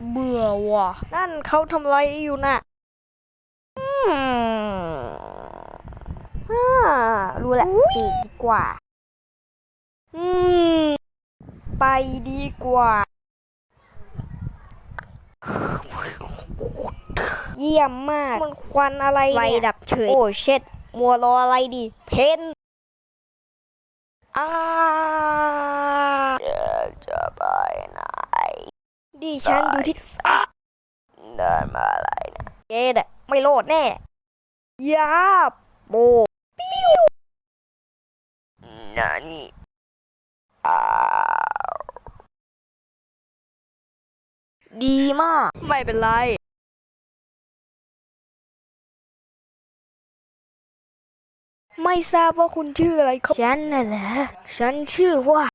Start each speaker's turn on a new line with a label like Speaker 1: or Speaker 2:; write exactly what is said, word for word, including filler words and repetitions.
Speaker 1: เบื่อว่ะนั่นเขาทำอะไรอยู่น่ะอืมฮ่ารู้แหละสิดีกว่าอืมไปดีกว่าเยี่ยมมากมันควันอะไรเนี่ยไฟดับเฉยโอ้เช็ดมัวรออะไรดีเพนอ่าจะไปไหนดิฉันดูที่เดินมาอะไรนะเกดไม่โลดแน่ยาโบปิ้วนานี่อ่าดีมากไม่เป็นไรไม่ทราบว่าคุณชื่ออะไรครับฉันน่ะเหรอฉันชื่อว่า